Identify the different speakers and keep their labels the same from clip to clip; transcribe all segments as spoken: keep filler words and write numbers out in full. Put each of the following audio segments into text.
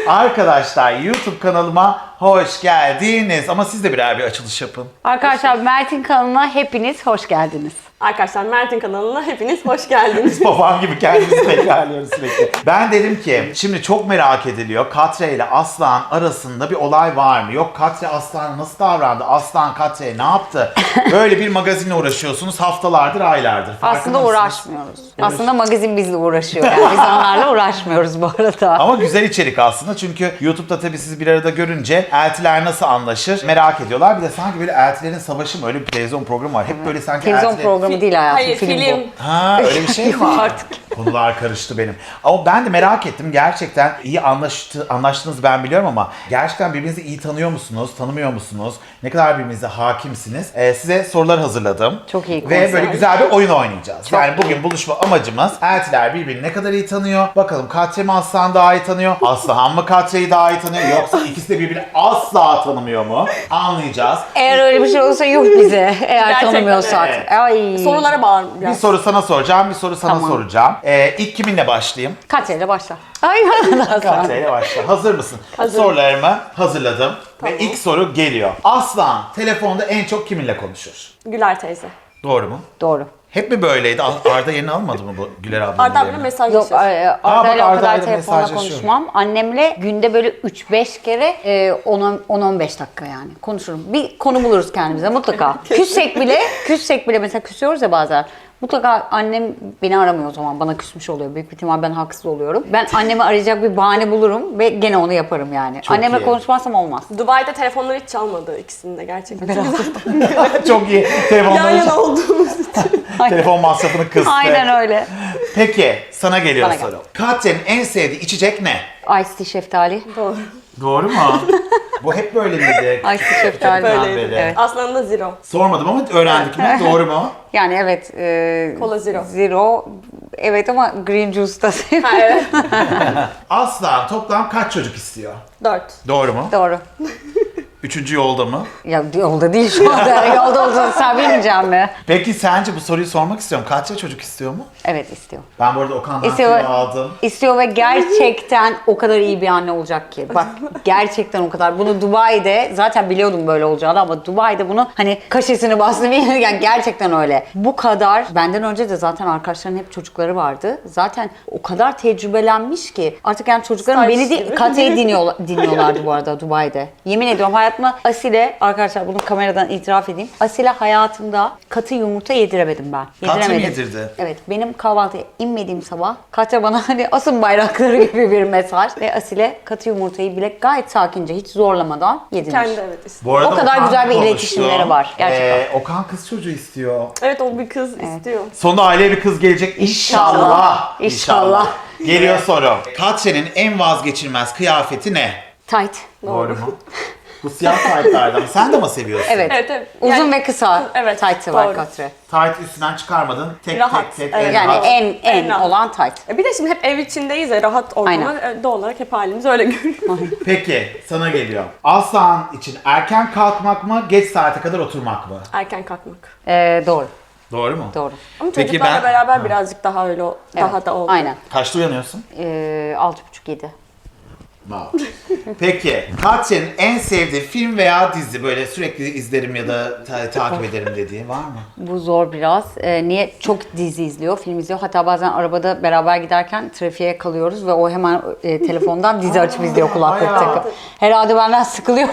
Speaker 1: Arkadaşlar YouTube kanalıma hoş geldiniz. Ama siz de birer bir açılış yapın.
Speaker 2: Arkadaşlar Mert'in kanalına hepiniz hoş geldiniz.
Speaker 3: Arkadaşlar Mert'in kanalına hepiniz hoş geldiniz.
Speaker 1: Babam gibi kendimizi tekrarlıyoruz sürekli. Ben dedim ki şimdi çok merak ediliyor. Katre ile Aslan arasında bir olay var mı? Yok Katre Aslan'a nasıl davrandı? Aslan Katre'ye ne yaptı? Böyle bir magazinle uğraşıyorsunuz haftalardır, aylardır. Farkında
Speaker 2: Aslında
Speaker 1: mısınız?
Speaker 2: uğraşmıyoruz. Aslında magazin bizle uğraşıyor. Yani biz onlarla uğraşmıyoruz bu arada.
Speaker 1: Ama güzel içerik aslında çünkü YouTube'da tabii sizi bir arada görünce eltiler nasıl anlaşır merak ediyorlar. Bir de sanki böyle eltilerin savaşı mı, öyle bir televizyon programı var. Hep böyle sanki
Speaker 2: Televizyon
Speaker 1: eltiler-
Speaker 2: programı değil hayatım,
Speaker 3: Hayır,
Speaker 2: film,
Speaker 3: film.
Speaker 2: bu.
Speaker 1: Ha öyle bir şey mi var?
Speaker 2: Artık.
Speaker 1: Konular karıştı benim. Ama ben de merak ettim. Gerçekten iyi anlaştı, anlaştığınızı ben biliyorum ama gerçekten birbirinizi iyi tanıyor musunuz? Tanımıyor musunuz? Ne kadar birbirinize hakimsiniz? Ee, size sorular hazırladım.
Speaker 2: Çok iyi
Speaker 1: Ve
Speaker 2: konser.
Speaker 1: böyle güzel bir oyun oynayacağız.
Speaker 2: Çok
Speaker 1: yani bugün buluşma amacımız eltiler birbirini ne kadar iyi tanıyor? Bakalım Katre mi Aslan daha iyi tanıyor? Aslan mı Katre'yi daha iyi tanıyor? Yoksa ikisi de birbirini asla tanımıyor mu? Anlayacağız.
Speaker 2: Eğer öyle bir şey olursa yuh bize. Eğer
Speaker 3: Gerçekten
Speaker 2: tanımıyorsak.
Speaker 1: evet.
Speaker 2: Ay.
Speaker 3: Sorulara bağır
Speaker 1: Bir
Speaker 3: biraz.
Speaker 1: soru sana soracağım, bir soru sana
Speaker 2: Tamam.
Speaker 1: soracağım. Ee, ilk kiminle başlayayım?
Speaker 2: Katre'yle başla. Ay Aslan.
Speaker 1: Katre ile başla. Hazır mısın?
Speaker 3: Hazırım.
Speaker 1: Sorularımı hazırladım.
Speaker 3: Tamam.
Speaker 1: Ve ilk soru geliyor. Aslan telefonda en çok kiminle konuşur?
Speaker 3: Güler teyze.
Speaker 1: Doğru mu?
Speaker 2: Doğru.
Speaker 1: Hep mi böyleydi? Arda yerini almadı mı bu Güler ablanın
Speaker 3: Arda abla
Speaker 1: yerini?
Speaker 3: mesaj
Speaker 2: Yok
Speaker 3: yazıyor.
Speaker 2: e,
Speaker 1: bak,
Speaker 2: Arda'yla o
Speaker 1: Arda'yla
Speaker 2: kadar telefonla
Speaker 1: mesajlaşıyorum.
Speaker 2: konuşmam. Annemle günde böyle üç beş kere e, on on beş dakika yani konuşurum. Bir konu buluruz kendimize mutlaka. Küssek bile, küssek bile mesela küsüyoruz ya bazen. Mutlaka annem beni aramıyor o zaman. Bana küsmüş oluyor. Büyük bir ihtimal ben haksız oluyorum. Ben annemi arayacak bir bahane bulurum ve gene onu yaparım yani.
Speaker 1: Çok
Speaker 2: Annemle
Speaker 1: iyi.
Speaker 2: konuşmazsam olmaz.
Speaker 3: Dubai'de telefonları hiç çalmadı ikisinin de gerçekten.
Speaker 1: Çok iyi.
Speaker 3: Yan
Speaker 1: Telefonları,
Speaker 3: yana olduğumuz için.
Speaker 1: telefon masrafını kıstı.
Speaker 2: Aynen öyle.
Speaker 1: Peki sana geliyor
Speaker 2: Bana gel.
Speaker 1: soru. Katre'nin en sevdiği içecek ne?
Speaker 2: Ice tea şeftali.
Speaker 3: Doğru.
Speaker 1: Doğru mu? Bu hep böyle miydi?
Speaker 2: Ice tea şeftali.
Speaker 3: Böyleydi.
Speaker 1: beri.
Speaker 2: Evet.
Speaker 3: Aslanın da zero.
Speaker 1: Sormadım ama öğrendik mi? Doğru mu?
Speaker 2: Yani evet. E,
Speaker 3: Cola zero.
Speaker 2: Zero. Evet ama green juice da
Speaker 3: Ha evet.
Speaker 1: Aslan toplam kaç çocuk istiyor?
Speaker 3: Dört.
Speaker 1: Doğru mu?
Speaker 2: Doğru.
Speaker 1: Üçüncü yolda mı?
Speaker 2: Ya yolda değil şu anda. Yolda olsa sen bilmeyeceğim mi?
Speaker 1: Peki sence bu soruyu sormak istiyorum. Kaç çocuk istiyor mu?
Speaker 2: Evet istiyor.
Speaker 1: Ben bu arada Okan'dan
Speaker 2: İstiyor,
Speaker 1: tüyo aldım.
Speaker 2: istiyor ve gerçekten o kadar iyi bir anne olacak ki. Bak gerçekten o kadar. Bunu Dubai'de zaten biliyordum böyle olacağını ama Dubai'de bunu hani kaşesini bastım. Yani gerçekten öyle. Bu kadar benden önce de zaten arkadaşların hep çocukları vardı. Zaten o kadar tecrübelenmiş ki artık yani çocuklarım
Speaker 3: Staj
Speaker 2: beni
Speaker 3: gibi.
Speaker 2: de Katre'yi dinliyorlar, dinliyorlardı bu arada Dubai'de. Yemin ediyorum hayatımda Asile arkadaşlar bunu kameradan itiraf edeyim. Asile hayatımda katı yumurta yediremedim ben.
Speaker 1: Katı mı
Speaker 2: Yediremedim.
Speaker 1: yedirdi?
Speaker 2: Evet, benim kahvaltıya inmediğim sabah Katya bana hani asın bayrakları gibi bir mesaj ve Asile katı yumurtayı bile gayet sakince hiç zorlamadan yedirmiş.
Speaker 3: Kendi evet istiyor.
Speaker 1: Bu arada
Speaker 2: O kadar
Speaker 1: Okan
Speaker 2: güzel bir
Speaker 1: konuştu.
Speaker 2: iletişimleri var, gerçekten.
Speaker 1: Ee, Okan kız çocuğu istiyor.
Speaker 3: Evet o bir kız istiyor.
Speaker 1: Sonunda aileye bir kız gelecek inşallah.
Speaker 2: İnşallah. İnşallah.
Speaker 1: Geliyor soru. Katre'nin en vazgeçilmez kıyafeti ne?
Speaker 2: Tight.
Speaker 1: Doğru mu? Bu siyah taytlardan. Sen de mi seviyorsun?
Speaker 2: Evet.
Speaker 3: Evet evet.
Speaker 2: Uzun
Speaker 3: Yani-
Speaker 2: ve kısa
Speaker 3: Evet,
Speaker 2: tight'ı var
Speaker 3: doğru.
Speaker 2: Katre.
Speaker 1: Tayt üstünden çıkarmadın. Tek
Speaker 3: Rahat,
Speaker 1: tek tek.
Speaker 3: evet.
Speaker 1: en
Speaker 2: Yani
Speaker 1: rahat.
Speaker 2: en en,
Speaker 3: En rahat.
Speaker 2: olan tight.
Speaker 3: E bir de şimdi hep ev içindeyiz ya rahat ortamda.
Speaker 2: Aynen.
Speaker 3: E, Doğal olarak hep halimiz öyle görünüyor.
Speaker 1: Peki sana geliyor. Aslan için erken kalkmak mı, geç saate kadar oturmak mı?
Speaker 3: Erken kalkmak.
Speaker 2: Ee, doğru.
Speaker 1: Doğru mu?
Speaker 2: Doğru.
Speaker 3: Ama
Speaker 1: Peki
Speaker 3: çocuklarla
Speaker 1: ben-
Speaker 3: beraber birazcık daha öyle o- daha
Speaker 2: Evet,
Speaker 3: da oldu.
Speaker 2: Aynen.
Speaker 1: Kaçta uyanıyorsun?
Speaker 2: Ee, altı buçuk yedi.
Speaker 1: Wow. Peki Katre'nin en sevdiği film veya dizi böyle sürekli izlerim ya da ta- takip ederim dediği var mı?
Speaker 2: Bu zor biraz. Ee, niye? Çok dizi izliyor, film izliyor. Hatta bazen arabada beraber giderken trafiğe kalıyoruz ve o hemen e, telefondan dizi açıp izliyor kulaklık
Speaker 1: bayağı.
Speaker 2: takıp. Herhalde benden sıkılıyor.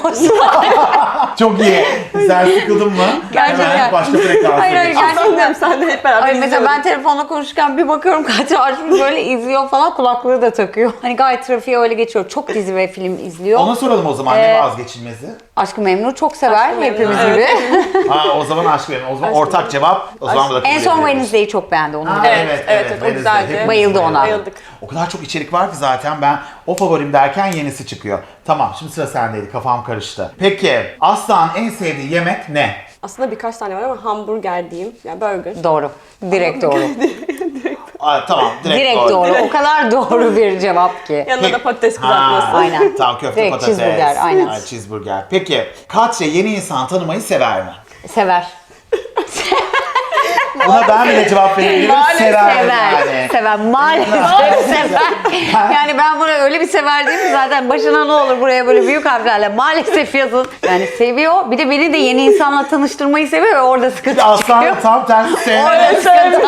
Speaker 1: Çok iyi. Sen sıkıldın mı?
Speaker 2: Gerçekten.
Speaker 1: Hemen başka frekans.
Speaker 2: Hayır, hayır,
Speaker 1: geçiyorsun.
Speaker 2: gerçekten.
Speaker 3: Sen de hep beraber
Speaker 2: Ay mesela
Speaker 3: izliyoruz.
Speaker 2: ben telefonla konuşurken bir bakıyorum Katya açmış böyle izliyor falan, kulaklığı da takıyor. Hani gayet trafiğe öyle geçiyor. Çok dizi ve film izliyor.
Speaker 1: Ona soralım o zaman
Speaker 2: Ee,
Speaker 1: ne vazgeçilmezi?
Speaker 2: Aşk-ı Memnu çok sever
Speaker 3: Aşk-ı Memnu,
Speaker 2: hepimiz
Speaker 3: evet.
Speaker 2: gibi.
Speaker 1: Ha o zaman aşk benim. O zaman
Speaker 3: Aşk
Speaker 1: ortak
Speaker 3: benim.
Speaker 1: cevap. O zaman bu da
Speaker 2: En
Speaker 1: kabul
Speaker 2: son
Speaker 1: ediyoruz.
Speaker 2: Wednesday'i çok beğendi onu.
Speaker 1: Ha,
Speaker 2: biliyorum.
Speaker 3: Evet, evet, evet, o
Speaker 1: Wednesday.
Speaker 3: güzeldi.
Speaker 1: Hepimiz
Speaker 2: Bayıldı ona.
Speaker 3: Bayıldık.
Speaker 1: O kadar çok içerik var ki zaten ben o favorim derken yenisi çıkıyor. Tamam şimdi sıra sendeydi, kafam karıştı. Peki Aslan en sevdiği yemek ne?
Speaker 3: Aslında birkaç tane var ama hamburger diyeyim. Yani burger.
Speaker 2: Doğru. Direkt doğru.
Speaker 1: Aa, tamam direkt,
Speaker 2: Direkt
Speaker 1: doğru.
Speaker 2: doğru. O kadar doğru bir cevap ki.
Speaker 3: Yanına
Speaker 1: Peki-
Speaker 3: da patates
Speaker 1: Ha,
Speaker 3: kızartması.
Speaker 2: Aynen.
Speaker 1: Tamam köfte
Speaker 2: Direkt
Speaker 1: patates.
Speaker 2: cheeseburger, aynen.
Speaker 1: Ha, cheeseburger. Peki Katya yeni insan tanımayı sever mi?
Speaker 2: Sever.
Speaker 1: Buna ben bile cevap verebilirim. Sever
Speaker 2: Sever.
Speaker 1: yani.
Speaker 2: Sever. Maalesef sever. Yani ben buna öyle bir sever değil mi zaten başına ne olur buraya böyle büyük harflerle maalesef yazın. Yani seviyor. Bir de beni de yeni insanla tanıştırmayı seviyor ve orada sıkıntı çıkıyor.
Speaker 1: Aslan tam tersi sevmez.
Speaker 2: Orada sıkıntı.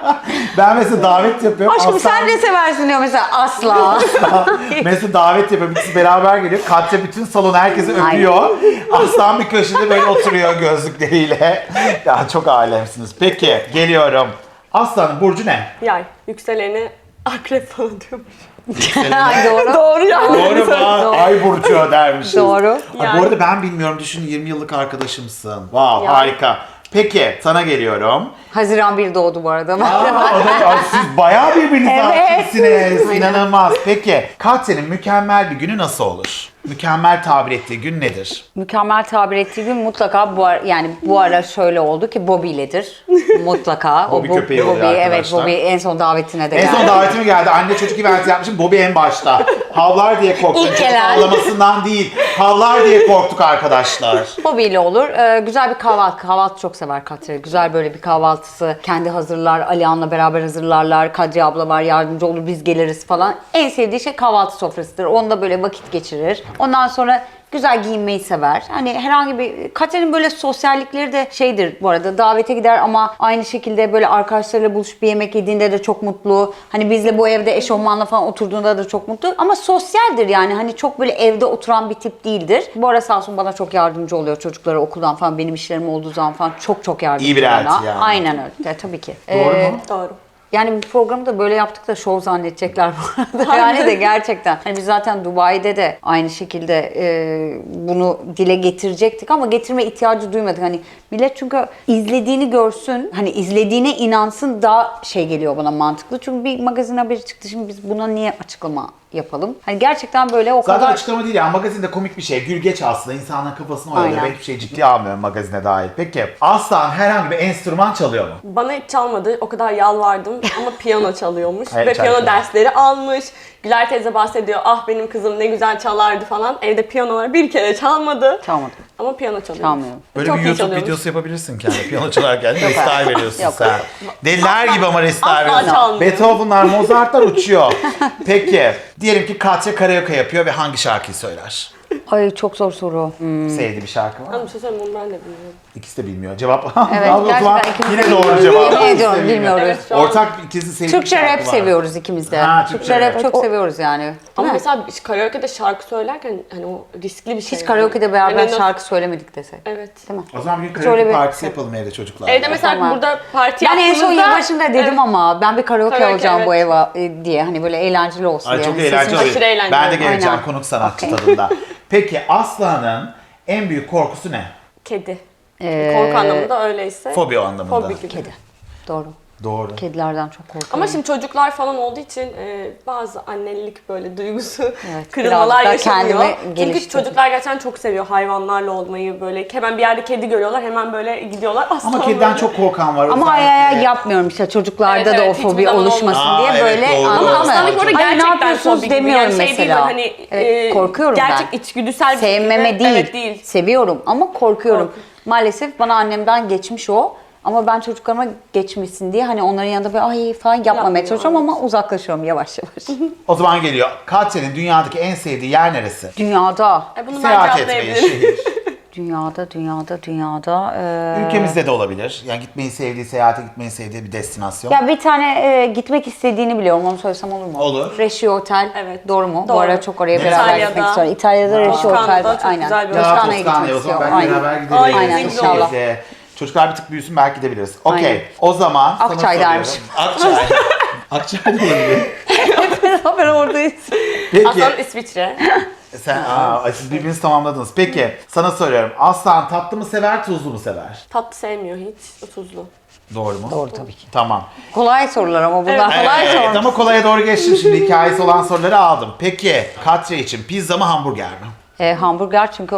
Speaker 1: Ben mesela davet yapıyorum.
Speaker 2: Aşkım
Speaker 1: Aslan-
Speaker 2: sen de seversin diyor mesela asla.
Speaker 1: Mesela davet yapıyor. İkisi beraber geliyor. Katya bütün salon herkesi öpüyor. Aslan bir köşede böyle oturuyor gözlükleriyle. Ya çok alemsiniz. Peki geliyorum. Aslan'ın burcu ne?
Speaker 3: Yay. Yükseleni akrep falan diyormuş.
Speaker 2: Ay doğru.
Speaker 3: Doğru yani.
Speaker 1: Doğru mu? Ay burcu dermişiz.
Speaker 2: Doğru.
Speaker 1: Ay, bu
Speaker 3: Yani.
Speaker 1: arada ben bilmiyorum. Düşün yirmi yıllık arkadaşımsın. Wow
Speaker 3: Ya.
Speaker 1: harika. Peki sana geliyorum.
Speaker 2: Haziran bir doğdu bu arada.
Speaker 1: Aa, o da- ay, siz bayağı birbirinize
Speaker 2: Evet.
Speaker 1: hakimsiniz. İnanılmaz. Peki Katya'nın mükemmel bir günü nasıl olur? Mükemmel tabir ettiği gün nedir?
Speaker 2: Mükemmel tabir ettiği gün mutlaka bu ara, yani bu ara şöyle oldu ki Bobby'ledir. Mutlaka.
Speaker 1: Bobby
Speaker 2: bu-
Speaker 1: köpeği oluyor
Speaker 2: Evet
Speaker 1: arkadaşlar.
Speaker 2: Bobby en son davetine de
Speaker 1: En
Speaker 2: geldi.
Speaker 1: son davetime geldi. Anne çocuk eventi yapmışım. Bobby en başta. Havlar diye korktuk.
Speaker 2: İlk
Speaker 1: Çocuk
Speaker 2: gelen.
Speaker 1: Havlamasından değil. Havlar diye korktuk arkadaşlar.
Speaker 2: Bobby ile olur. Ee, güzel bir kahvaltı. Kahvaltı çok sever Katya. Güzel böyle bir kahvaltısı. Kendi hazırlar. Alihan'la beraber hazırlarlar. Kadriye abla var yardımcı olur. Biz geliriz falan. En sevdiği şey kahvaltı sofrasıdır. Onda böyle vakit geçirir. Ondan sonra güzel giyinmeyi sever. Hani herhangi bir... Katya'nın böyle sosyallikleri de şeydir bu arada. Davete gider ama aynı şekilde böyle arkadaşlarıyla buluşup bir yemek yediğinde de çok mutlu. Hani bizle bu evde eşofmanla falan oturduğunda da çok mutlu. Ama sosyaldir yani. Hani çok böyle evde oturan bir tip değildir. Bu ara sağ olsun bana çok yardımcı oluyor. Çocuklara okuldan falan benim işlerim olduğu zaman falan çok çok yardımcı
Speaker 1: İyi bir elti
Speaker 2: bana.
Speaker 1: yani.
Speaker 2: Aynen öyle. Ya, tabii ki.
Speaker 1: Doğru
Speaker 2: Ee,
Speaker 1: mu?
Speaker 3: Doğru.
Speaker 2: Yani bu programı da böyle yaptık da şov zannedecekler bu arada. Yani de gerçekten. Hani biz zaten Dubai'de de aynı şekilde e, bunu dile getirecektik ama getirme ihtiyacı duymadık. Hani millet çünkü izlediğini görsün, hani izlediğine inansın daha şey geliyor bana mantıklı. Çünkü bir magazin haberi çıktı şimdi biz buna niye açıklama yapalım? Hani gerçekten böyle o
Speaker 1: Zaten
Speaker 2: kadar...
Speaker 1: açıklama değil ya. Magazinde komik bir şey. Gülgeç aslında. İnsanların kafasını oyalıyor.
Speaker 2: Aynen.
Speaker 1: Ben hiçbir şey ciddiye almıyorum magazine dair. Peki Aslan herhangi bir enstrüman çalıyor mu?
Speaker 3: Bana hiç çalmadı. O kadar yalvardım ama piyano çalıyormuş.
Speaker 1: Evet,
Speaker 3: Ve piyano
Speaker 1: çalıyor.
Speaker 3: dersleri almış. Güler teyze bahsediyor. Ah benim kızım ne güzel çalardı falan. Evde piyanolar bir kere çalmadı.
Speaker 2: Çalmadım.
Speaker 3: Ama piyano çalıyor.
Speaker 2: Çalmıyorum.
Speaker 1: Böyle
Speaker 3: Çok
Speaker 1: bir
Speaker 3: iyi
Speaker 1: YouTube
Speaker 3: çalıyormuş.
Speaker 1: videosu yapabilirsin kendi piyano çalarken. Restyle veriyorsun
Speaker 2: Yok.
Speaker 1: sen. Deliler gibi ama restyle
Speaker 3: asla
Speaker 1: veriyorsun.
Speaker 3: çalmıyor.
Speaker 1: Beethoven'lar, Mozart'lar uçuyor. Peki diyelim ki Katya karaoke yapıyor ve hangi şarkıyı söyler?
Speaker 2: Ay çok zor soru. Hmm.
Speaker 1: Sevdiği bir şarkı var mı?
Speaker 3: Ama bir şey söyleyeyim onu ben de bilmiyorum.
Speaker 1: İkisi de bilmiyor. Cevap.
Speaker 2: Evet,
Speaker 1: o zaman
Speaker 2: gerçekten ikimiz
Speaker 1: yine
Speaker 2: de
Speaker 1: doğru
Speaker 2: bilmiyoruz.
Speaker 1: cevap.
Speaker 2: Yemin ediyorum,
Speaker 1: İkisi de bilmiyor.
Speaker 2: bilmiyoruz.
Speaker 3: Evet, şu an-
Speaker 1: Ortak ikisi sevdiği
Speaker 2: Türkçe
Speaker 1: şarkı
Speaker 2: rap
Speaker 1: var.
Speaker 2: seviyoruz ikimiz de.
Speaker 1: Ha,
Speaker 2: Türkçe
Speaker 1: Türkçe
Speaker 2: rap
Speaker 1: rap.
Speaker 2: çok seviyoruz yani.
Speaker 3: Ama
Speaker 2: Değil mi?
Speaker 3: mesela karaoke'de şarkı söylerken hani o riskli bir şey.
Speaker 2: Hiç
Speaker 3: yani.
Speaker 2: karaoke'de beraber
Speaker 3: Hani nasıl-
Speaker 2: şarkı söylemedik desek.
Speaker 3: Evet.
Speaker 2: Değil mi?
Speaker 1: O zaman bir
Speaker 2: Hiç
Speaker 1: karaoke
Speaker 2: öyle bir-
Speaker 1: partisi yapalım evde çocuklarla.
Speaker 3: Evde mesela
Speaker 2: Tamam.
Speaker 3: burada parti
Speaker 2: Ben en son
Speaker 3: yaptığımızda-
Speaker 2: yılbaşında dedim
Speaker 3: Evet.
Speaker 2: ama ben bir karaoke,
Speaker 3: Karaoke,
Speaker 2: alacağım bu
Speaker 3: evet.
Speaker 2: eve e, diye. Hani böyle eğlenceli olsun
Speaker 1: Ay
Speaker 2: diye.
Speaker 1: çok
Speaker 2: Hani
Speaker 1: eğlenceli
Speaker 2: sesim-
Speaker 1: oluyor.
Speaker 3: aşırı eğlenceli.
Speaker 1: Ben de geleceğim
Speaker 2: Aynen.
Speaker 1: konuk sanatçı
Speaker 2: Okey.
Speaker 1: tadında. Peki Aslan'ın en büyük korkusu ne?
Speaker 3: Kedi.
Speaker 2: Ee,
Speaker 3: Korku anlamında öyleyse.
Speaker 1: Fobi o anlamında.
Speaker 3: Fobi gibi.
Speaker 2: Kedi. Doğru.
Speaker 1: Doğru.
Speaker 2: Kedilerden çok korkuyorum.
Speaker 3: Ama şimdi çocuklar falan olduğu için e, bazı annelik böyle duygusu
Speaker 2: Evet,
Speaker 3: kırılmalar
Speaker 2: birazcık daha
Speaker 3: yaşanıyor.
Speaker 2: kendimi
Speaker 3: Çünkü
Speaker 2: geliştirdim.
Speaker 3: çocuklar gerçekten çok seviyor hayvanlarla olmayı böyle. Hemen bir yerde kedi görüyorlar hemen böyle gidiyorlar. Aslan
Speaker 1: Ama kediden
Speaker 3: böyle.
Speaker 1: çok korkan var.
Speaker 2: Ama
Speaker 1: özellikle.
Speaker 2: ay ay yapmıyorum işte çocuklarda
Speaker 3: Evet,
Speaker 2: da
Speaker 3: evet,
Speaker 2: o
Speaker 3: hiçbir
Speaker 2: fobi
Speaker 3: zaman
Speaker 2: oluşmasın
Speaker 1: olmaz.
Speaker 2: diye
Speaker 1: Aa, evet,
Speaker 2: böyle
Speaker 1: doğru.
Speaker 2: anladın
Speaker 3: Ama
Speaker 2: mı?
Speaker 3: aslanlık orada
Speaker 2: Ay, ne
Speaker 3: gerçekten
Speaker 2: yapıyorsunuz
Speaker 3: fobi gibi.
Speaker 2: demiyorum
Speaker 3: Yani şey
Speaker 2: mesela.
Speaker 3: değil, hani,
Speaker 2: Evet,
Speaker 3: e,
Speaker 2: korkuyorum
Speaker 3: gerçek
Speaker 2: ben.
Speaker 3: içgüdüsel bir
Speaker 2: Sevmeme
Speaker 3: şekilde-
Speaker 2: değil,
Speaker 3: Evet, değil.
Speaker 2: seviyorum ama korkuyorum.
Speaker 3: Korku.
Speaker 2: Maalesef bana annemden geçmiş o. Ama ben çocuklarıma geçmesin diye hani onların yanında böyle ay falan yapmamaya
Speaker 3: Yapmıyor,
Speaker 2: çalışıyorum ama uzaklaşıyorum yavaş yavaş.
Speaker 1: O zaman geliyor. Katya'nın dünyadaki en sevdiği yer neresi?
Speaker 2: Dünyada,
Speaker 3: E, bunu ben
Speaker 1: Seyahat etmeyi,
Speaker 3: cevaplayabilirim.
Speaker 1: şehir.
Speaker 2: dünyada, dünyada, dünyada. eee,
Speaker 1: Ülkemizde de olabilir. Yani gitmeyi sevdiği, seyahate gitmeyi sevdiği bir destinasyon.
Speaker 2: Ya bir tane e, gitmek istediğini biliyorum. Onu söylesem olur mu?
Speaker 1: Olur.
Speaker 2: Reşi Otel.
Speaker 3: Evet.
Speaker 2: Doğru mu? Bu
Speaker 3: Doğru.
Speaker 2: ara çok oraya
Speaker 1: Neresi?
Speaker 2: beraber
Speaker 3: İtalya'da.
Speaker 2: gitmek istiyorum. İtalya'da Reşi
Speaker 3: Toskana'da
Speaker 2: Otel var.
Speaker 3: çok
Speaker 2: Aynen.
Speaker 3: güzel bir
Speaker 1: Ya
Speaker 2: Toskana'ya
Speaker 1: Toskana'ya
Speaker 2: gitmek
Speaker 1: o zaman
Speaker 2: istiyorum.
Speaker 1: belki
Speaker 2: Aynen.
Speaker 1: beraber gideriz.
Speaker 3: Aynen,
Speaker 2: Aynen,
Speaker 3: güzel
Speaker 2: inşallah.
Speaker 1: Neyse. Çocuklar bir tık büyüsün belki gidebiliriz. Okey.
Speaker 2: Aynen.
Speaker 1: O zaman sana
Speaker 2: Akçay
Speaker 1: soruyorum.
Speaker 2: dermiş.
Speaker 1: Akçay. Akçay da olabilir.
Speaker 2: Haber oradayız.
Speaker 1: Peki.
Speaker 3: Aslan İsviçre.
Speaker 1: Sen, aa, siz birbirinizi tamamladınız. Peki sana soruyorum. Aslan tatlı mı sever, tuzlu mu sever?
Speaker 3: Tatlı sevmiyor hiç. O tuzlu.
Speaker 1: Doğru mu?
Speaker 2: Doğru tabii ki.
Speaker 1: Tamam.
Speaker 2: Kolay sorular ama bunlar
Speaker 3: Evet.
Speaker 2: kolay
Speaker 1: Evet,
Speaker 2: sorular.
Speaker 1: ama kolaya doğru geçtim şimdi. Hikayesi olan soruları aldım. Peki Katya için pizza mı hamburger mi?
Speaker 2: E, hamburger çünkü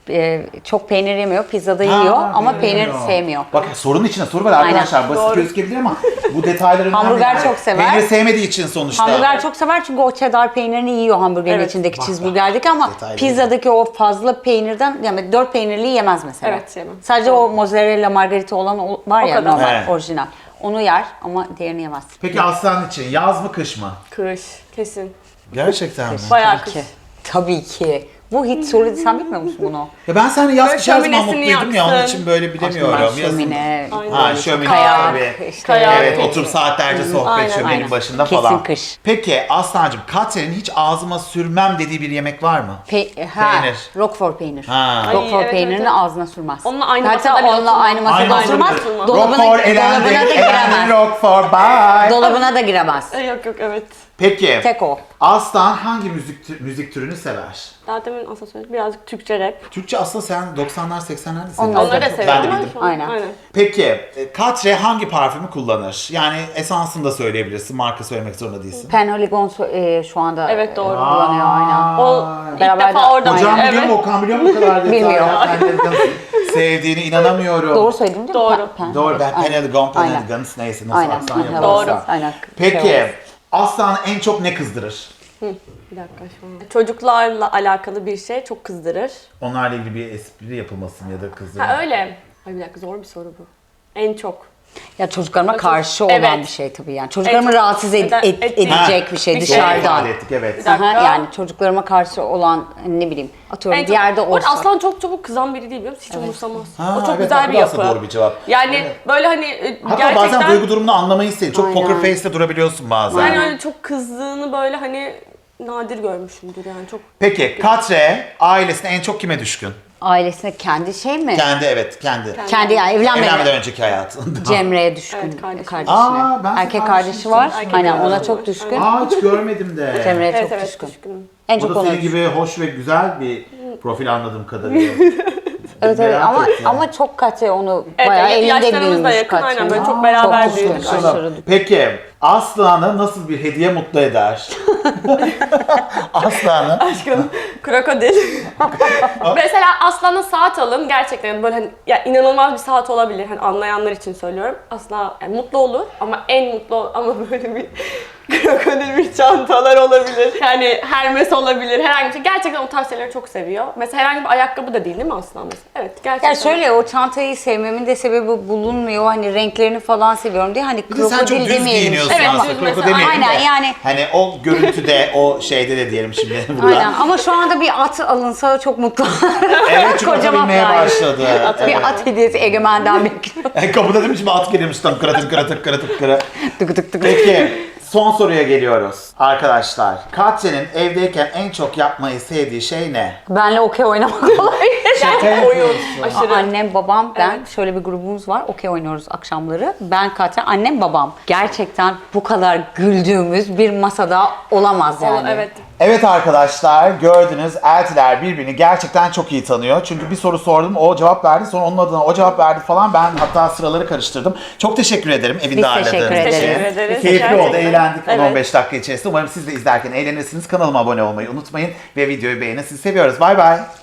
Speaker 2: e, çok peynir yemiyor. Pizzada
Speaker 1: Ha,
Speaker 2: yiyor ama
Speaker 1: peynir
Speaker 2: peynir
Speaker 1: yemiyor.
Speaker 2: sevmiyor.
Speaker 1: Bak sorunun içinde soru var arkadaşlar. Basit
Speaker 3: Doğru.
Speaker 1: gözükebilir ama bu detaylar önemli.
Speaker 2: Hamburger
Speaker 1: yani.
Speaker 2: çok sever.
Speaker 1: Peynir sevmediği için sonuçta.
Speaker 2: Hamburger çok sever çünkü o cheddar peynirini yiyor hamburgerin
Speaker 3: Evet.
Speaker 2: içindeki
Speaker 1: Bak,
Speaker 2: cheeseburgerdeki ama
Speaker 1: detaylı.
Speaker 2: pizzadaki o fazla peynirden yani dört peynirli yemez mesela.
Speaker 3: Evet, yemem.
Speaker 2: Sadece o mozzarella margarita olan o- var
Speaker 3: O
Speaker 2: ya
Speaker 3: kadar.
Speaker 2: normal
Speaker 1: Evet.
Speaker 2: orijinal. Onu yer ama diğerini yemez.
Speaker 1: Peki Aslan için yaz mı kış mı?
Speaker 3: Kış kesin.
Speaker 1: Gerçekten mi?
Speaker 3: Bayağı
Speaker 2: Tabii
Speaker 3: kış.
Speaker 2: ki. Tabii ki. Bu hiç soru değil. Sen bilmiyor musun bunu?
Speaker 1: Ya ben seninle yaz
Speaker 3: Böyle
Speaker 1: kış her zaman
Speaker 3: şöminesini
Speaker 1: mutluydum ya onun
Speaker 3: yaksın.
Speaker 1: için böyle bilemiyorum.
Speaker 2: Aşkım ben
Speaker 1: Yazın-
Speaker 2: şömine,
Speaker 3: Aynen.
Speaker 1: Ha şömine
Speaker 2: kayak,
Speaker 1: tabii.
Speaker 2: işte.
Speaker 3: Kayak.
Speaker 1: Evet otur saatlerce sohbet
Speaker 3: Aynen,
Speaker 1: şöminenin
Speaker 2: aynen.
Speaker 1: başında
Speaker 2: Kesin
Speaker 1: falan.
Speaker 2: kış.
Speaker 1: Peki Aslancığım Katre'nin hiç ağzıma sürmem dediği bir yemek var mı?
Speaker 2: Pe- ha,
Speaker 1: Peynir.
Speaker 2: Roquefort peynir.
Speaker 1: Ha.
Speaker 3: Ay,
Speaker 2: Roquefort
Speaker 3: evet,
Speaker 2: peynirini
Speaker 3: evet, evet.
Speaker 2: ağzına sürmez.
Speaker 3: Onunla aynı
Speaker 2: Hatta
Speaker 3: masada bile
Speaker 2: onunla
Speaker 3: oturmaz.
Speaker 2: aynı masada
Speaker 1: Aynı
Speaker 2: oturmaz.
Speaker 1: masada
Speaker 3: oturmaz.
Speaker 2: Dolabına,
Speaker 1: Roquefort elendi,
Speaker 2: dolabına da
Speaker 1: elendi
Speaker 2: giremez.
Speaker 1: Roquefort bye.
Speaker 2: Dolabına da giremez.
Speaker 3: Ay, Yok yok evet.
Speaker 1: Peki
Speaker 2: Tek o.
Speaker 1: Aslan hangi müzik tü- müzik türünü sever?
Speaker 3: Daha demin aslında söyledim. Birazcık Türkçe rap.
Speaker 1: Türkçe aslında sen doksanlar seksenlerde
Speaker 2: Onları
Speaker 1: seviyorsun.
Speaker 3: Onları da
Speaker 2: çok-
Speaker 3: seviyorum
Speaker 1: Ben de
Speaker 3: ama
Speaker 1: bildim.
Speaker 3: şu an-
Speaker 2: Aynen.
Speaker 3: Aynen.
Speaker 1: Peki e, Katre hangi parfümü kullanır? Yani esansını da söyleyebilirsin. Marka söylemek zorunda değilsin.
Speaker 2: Penhaligon so- e, şu anda
Speaker 3: Evet, doğru.
Speaker 2: e, kullanıyor aynen.
Speaker 3: O ilk
Speaker 2: Beraber
Speaker 3: defa
Speaker 2: de-
Speaker 3: orada.
Speaker 1: Hocam
Speaker 3: evet.
Speaker 1: biliyor mu? Okan biliyor mu bu kadar detaylı?
Speaker 2: Bilmiyor.
Speaker 1: Penhaligon'u sevdiğine inanamıyorum.
Speaker 2: Doğru söyledim değil mi?
Speaker 3: Doğru.
Speaker 2: Pen- Pen-
Speaker 1: Doğru. Ben
Speaker 2: Aynen.
Speaker 1: Penhaligon,
Speaker 2: Aynen.
Speaker 1: Penhaligon neyse nasıl
Speaker 2: Aynen.
Speaker 1: aksan
Speaker 2: Aynen.
Speaker 1: yaparsa.
Speaker 3: Doğru.
Speaker 2: Aynen.
Speaker 1: Peki
Speaker 2: Şey
Speaker 1: Aslan en çok ne kızdırır?
Speaker 3: Bir dakika şu an. Çocuklarla alakalı bir şey çok kızdırır.
Speaker 1: Onlarla ilgili bir espri yapılması mı ya da kızdırma?
Speaker 3: Ha öyle. Ay bir dakika zor bir soru bu. En çok.
Speaker 2: Ya çocuklarıma karşı olan
Speaker 3: Evet.
Speaker 2: bir şey tabii yani. Çocuklarımı
Speaker 3: En çok-
Speaker 2: rahatsız ed-
Speaker 3: Neden-
Speaker 2: ed-
Speaker 3: et-
Speaker 2: edecek bir şey
Speaker 3: Bir
Speaker 1: Doğru
Speaker 3: şey.
Speaker 2: dışarıdan.
Speaker 1: ifade ettik evet.
Speaker 3: Bir dakika.
Speaker 2: Aha, yani çocuklarıma karşı olan ne bileyim atıyorum
Speaker 3: En
Speaker 2: bir
Speaker 3: çok,
Speaker 2: yerde
Speaker 3: Bu arada
Speaker 2: olsa.
Speaker 3: Aslan çok çabuk kızan biri değil biliyor musun? Hiç umursamaz.
Speaker 1: Ha,
Speaker 3: o çok
Speaker 1: evet,
Speaker 3: güzel
Speaker 1: bu
Speaker 3: bir
Speaker 1: da aslında
Speaker 3: yapı.
Speaker 1: doğru bir cevap.
Speaker 3: Yani
Speaker 1: Evet.
Speaker 3: böyle hani e,
Speaker 1: Hatta
Speaker 3: gerçekten
Speaker 1: bazen duygu durumunu anlamayı isteyin. Çok
Speaker 2: Aynen.
Speaker 1: poker face'le durabiliyorsun bazen.
Speaker 3: yani öyle çok kızdığını böyle hani nadir görmüşümdür yani çok.
Speaker 1: Peki Katre ailesine en çok kime düşkün?
Speaker 2: Ailesine kendi şey mi?
Speaker 1: Kendi evet kendi.
Speaker 2: Kendi yani evlenmeden.
Speaker 1: Evlenmeden önceki hayatında.
Speaker 2: Cemre'ye düşkün
Speaker 3: Evet, kardeşine.
Speaker 2: kardeşine.
Speaker 1: Aa, ben
Speaker 2: Erkek
Speaker 1: sana
Speaker 2: kardeşi
Speaker 1: kardeşim
Speaker 2: var.
Speaker 3: Erkek
Speaker 2: Aynen
Speaker 3: kardeşi
Speaker 2: ona
Speaker 3: var.
Speaker 2: çok düşkün.
Speaker 1: Aa hiç görmedim de.
Speaker 2: Cemre'ye
Speaker 3: Evet
Speaker 2: çok
Speaker 3: evet
Speaker 2: düşkün.
Speaker 3: düşkünüm.
Speaker 2: En
Speaker 1: O
Speaker 2: çok
Speaker 1: da
Speaker 2: ona
Speaker 1: senin gibi hoş ve güzel bir profil anladığım kadarıyla.
Speaker 2: Evet evet
Speaker 1: Merak
Speaker 2: ama
Speaker 1: ettim.
Speaker 2: ama çok Katya onu
Speaker 3: Evet,
Speaker 2: bayağı
Speaker 3: ya-
Speaker 2: elinde
Speaker 3: yaşlarımız da
Speaker 2: büyümüş
Speaker 3: yakın,
Speaker 2: Katya.
Speaker 3: aynen, böyle
Speaker 2: Aa,
Speaker 3: çok beraber
Speaker 2: çok
Speaker 3: büyüdük.
Speaker 2: düşkün,
Speaker 1: Şuna-
Speaker 2: aşırı.
Speaker 1: Peki Aslan'ı nasıl bir hediye mutlu eder? Aslan'ı.
Speaker 3: Aşkım krokodil. Mesela Aslan'a saat alın gerçekten böyle hani ya inanılmaz bir saat olabilir. Hani anlayanlar için söylüyorum. Asla yani mutlu olur ama en mutlu ama böyle bir krokodil bir çantalar olabilir. Yani Hermes olabilir. Herhangi bir şey. Gerçekten o tarz şeyleri çok seviyor. Mesela herhangi bir ayakkabı da değil değil mi Aslan mesela? Evet gerçekten.
Speaker 2: Ya şöyle o çantayı sevmemin de sebebi bulunmuyor. Hani renklerini falan seviyorum diye hani
Speaker 1: Bir de sen çok
Speaker 2: krokodil
Speaker 1: düz
Speaker 2: demeyelim.
Speaker 1: giyiniyorsun
Speaker 3: Evet,
Speaker 1: aslında.
Speaker 3: düz
Speaker 1: Kroko
Speaker 3: mesela.
Speaker 1: demeyelim
Speaker 2: Aynen,
Speaker 1: de.
Speaker 2: yani.
Speaker 1: Hani o görüntüde, o şeyde de diyelim şimdi burada.
Speaker 2: Aynen ama şu anda bir at alınsa çok mutlu.
Speaker 1: Evet çünkü
Speaker 2: Kocaman
Speaker 1: atabilmeye
Speaker 2: yani.
Speaker 1: başladı. Evet.
Speaker 2: Bir at hediyesi Egemen'den bekliyorum.
Speaker 1: Kapıda değil mi şimdi at geliyormuş tam kıra tık kıra tık kıra tık kıra.
Speaker 2: Tık tık tık.
Speaker 1: Peki son soruya geliyoruz. Arkadaşlar Katya'nın evdeyken en çok yapmayı sevdiği şey ne?
Speaker 2: Benle okey oynamak olabilir.
Speaker 3: Gerçekten oyun. Aşırı.
Speaker 2: Annem, babam, ben şöyle bir grubumuz var. Okey oynuyoruz akşamları. Ben Katya, annem, babam. Gerçekten bu kadar güldüğümüz bir masada olamaz yani.
Speaker 3: Evet.
Speaker 1: Evet arkadaşlar gördünüz eltiler birbirini gerçekten çok iyi tanıyor. Çünkü bir soru sordum o cevap verdi sonra onun adına o cevap verdi falan ben hatta sıraları karıştırdım. Çok teşekkür ederim evinde
Speaker 2: Biz
Speaker 1: ağırladığınız
Speaker 2: teşekkür
Speaker 1: için.
Speaker 2: ederiz.
Speaker 3: Teşekkür ederiz.
Speaker 1: Keyifli oldu
Speaker 3: Gerçekten.
Speaker 1: eğlendik on on
Speaker 3: Evet.
Speaker 1: beş dakika içerisinde. Umarım siz de izlerken eğlenirsiniz. Kanalıma abone olmayı unutmayın ve videoyu beğenin. Sizi seviyoruz. Bay bay.